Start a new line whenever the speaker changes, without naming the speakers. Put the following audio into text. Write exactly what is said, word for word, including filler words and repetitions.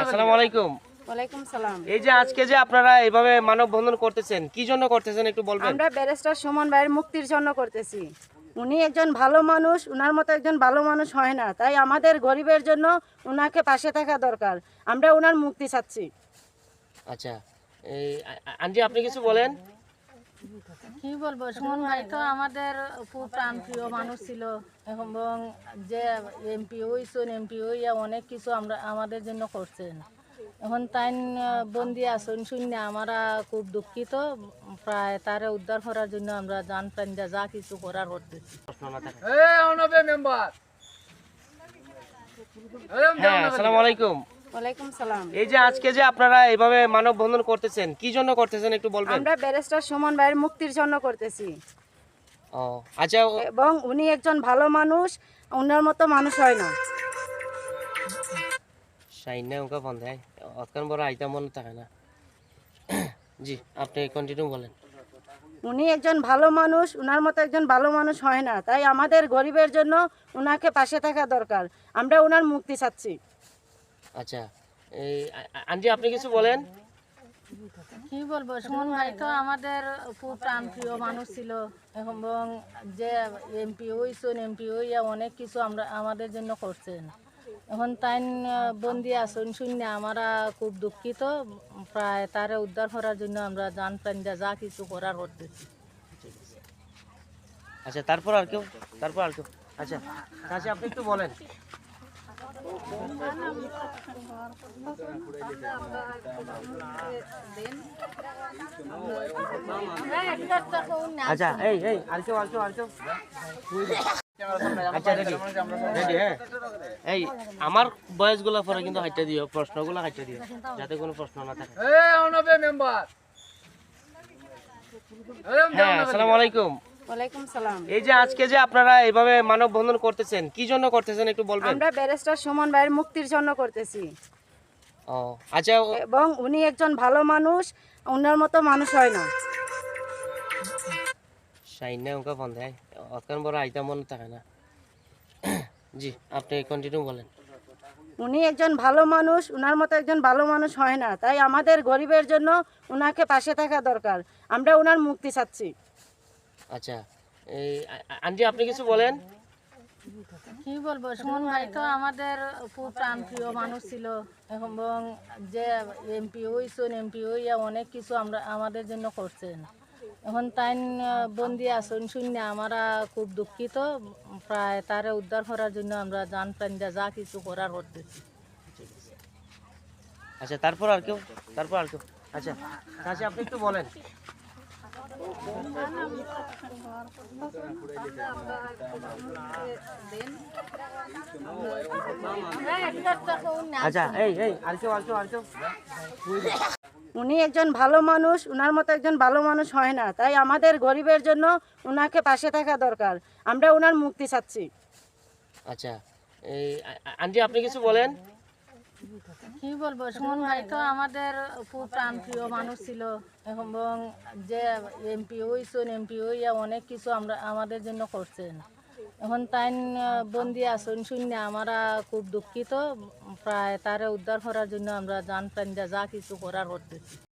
আসসালামু আলাইকুম।
ওয়ালাইকুম সালাম।
এই যে আজকে যে আপনারা এইভাবে মানববন্ধন করতেছেন, কি জন্য করতেছেন একটু বলবেন?
আমরা ব্যারিস্টার সুমন ভাইয়ের মুক্তির জন্য করতেছি। উনি একজন ভালো মানুষ, উনার মতো একজন ভালো মানুষ হয় না, তাই আমাদের গরিবের জন্য উনাকে পাশে থাকা দরকার। আমরা উনার মুক্তি চাচ্ছি।
আচ্ছা, এই আ- আ- আন্টি আপনি কিছু বলেন।
কি বলবো, সুমন ভাই তো আমাদের খুব প্রাণপ্রিয় মানুষ ছিল এবং যে এমপি হইছেন, এমপি হইয়া অনেক কিছু আমরা আমাদের জন্য করছেন। এখন তাই বন্দি আসুন শূন্য আমরা খুব দুঃখিত। প্রায় তারে উদ্ধার করার জন্য আমরা জান প্রাণ দিয়া যা কিছু করার করতেছি।
প্রশ্ন না থাকে।
মেম্বার
হ্যাঁ, আসসালামু আলাইকুম।
ওয়ালাইকুম সালাম।
এই যে আজকে যে আপনারা এইভাবে মানববন্ধন করতেছেন, কি জন্য করতেছেন একটু বলবেন?
আমরা ব্যারিস্টার সুমন ভাইয়ের মুক্তির জন্য করতেছি
ও আচ্ছা, ও-
এবং উনি একজন ভালো মানুষ, উনার মতো মানুষ হয় না।
সাইন ওকে বন্ধ হয়, অতক্ষণ বড় আইতা মনে থাকে না। জি, আপনি কন্টিনিউ বলেন।
উনি একজন ভালো মানুষ, উনার মতো একজন ভালো মানুষ হয় না, তাই আমাদের গরিবের জন্য উনাকে পাশে থাকা দরকার। আমরা উনার মুক্তি চাচ্ছি।
আচ্ছা, এই আ- আ- আন্টি আপনি কিছু বলেন।
কি বলবো, সুমন ভাই তো আমাদের খুব প্রাণপ্রিয় মানুষ ছিল এবং যে এমপি হইছেন, এমপি হইয়া অনেক কিছু আমরা আমাদের জন্য করছেন। এখন তাই বন্দি আসুন শূন্য আমরা খুব দুঃখিত। প্রায় তারে উদ্ধার করার জন্য আমরা জান প্রাণ দিয়া যা কিছু করার করতেছি।
আচ্ছা, তারপর আর কেউ তারপর আর কেউ আচ্ছা আচ্ছা আপনি একটু বলেন। আচ্ছা, এই এই আর কেউ আর কেউ আর কেউ আচ্ছা, রেডি রেডি হ্যাঁ। এই আমার বয়সগুলো পরে কিন্তু হাইটা দিও, প্রশ্নগুলো হাইটা দিও, যাতে কোনো প্রশ্ন না থাকে।
মেম্বার
হ্যাঁ, আসসালামু আলাইকুম।
ওয়ালাইকুম সালাম।
এই যে আজকে যে আপনারা এইভাবে মানববন্ধন করতেছেন, কি জন্য করতেছেন একটু বলবেন?
আমরা ব্যারিস্টার সুমন ভাইয়ের মুক্তির জন্য করতেছি
ও আচ্ছা, ও-
এবং উনি একজন ভালো মানুষ, উনার মতো মানুষ হয় না।
সাইন ওকে বন্ধ হয়, অতক্ষণ বড় আইতা মনে থাকে না। জি, আপনি কন্টিনিউ বলেন।
উনি একজন ভালো মানুষ, উনার মতো একজন ভালো মানুষ হয় না, তাই আমাদের গরিবের জন্য উনাকে পাশে থাকা দরকার। আমরা উনার মুক্তি চাচ্ছি।
আচ্ছা, এই আ- আ- আন্টি আপনি কিছু বলেন।
কি বলবো, সুমন ভাই তো আমাদের খুব প্রাণপ্রিয় মানুষ ছিল এবং যে এমপি হইছেন, এমপি হইয়া অনেক কিছু আমরা আমাদের জন্য করছেন। এখন তাই বন্দি আসুন শূন্য আমরা খুব দুঃখিত। প্রায় তারে উদ্ধার করার জন্য আমরা জান প্রাণ দিয়া যা কিছু করার করতেছি।
আচ্ছা, তারপর আর কেউ তারপর আর কেউ আচ্ছা আচ্ছা আপনি একটু বলেন। আচ্ছা, এই এই আর কেউ আর কেউ আর কেউ
উনি একজন ভালো মানুষ, উনার মতো একজন ভালো মানুষ হয় না, তাই আমাদের গরিবের জন্য উনাকে পাশে থাকা দরকার। আমরা উনার মুক্তি চাচ্ছি।
আচ্ছা, এই আ- আ- আন্টি আপনি কিছু বলেন।
কি বলবো, সুমন ভাই তো আমাদের খুব প্রাণপ্রিয় মানুষ ছিল এবং যে এমপি হইছেন, এমপি হইয়া অনেক কিছু আমরা আমাদের জন্য করছেন। এখন তাই বন্দি আসুন শূন্য আমরা খুব দুঃখিত। প্রায় তারে উদ্ধার করার জন্য আমরা জান প্রাণ দিয়া যা কিছু করার করতেছি।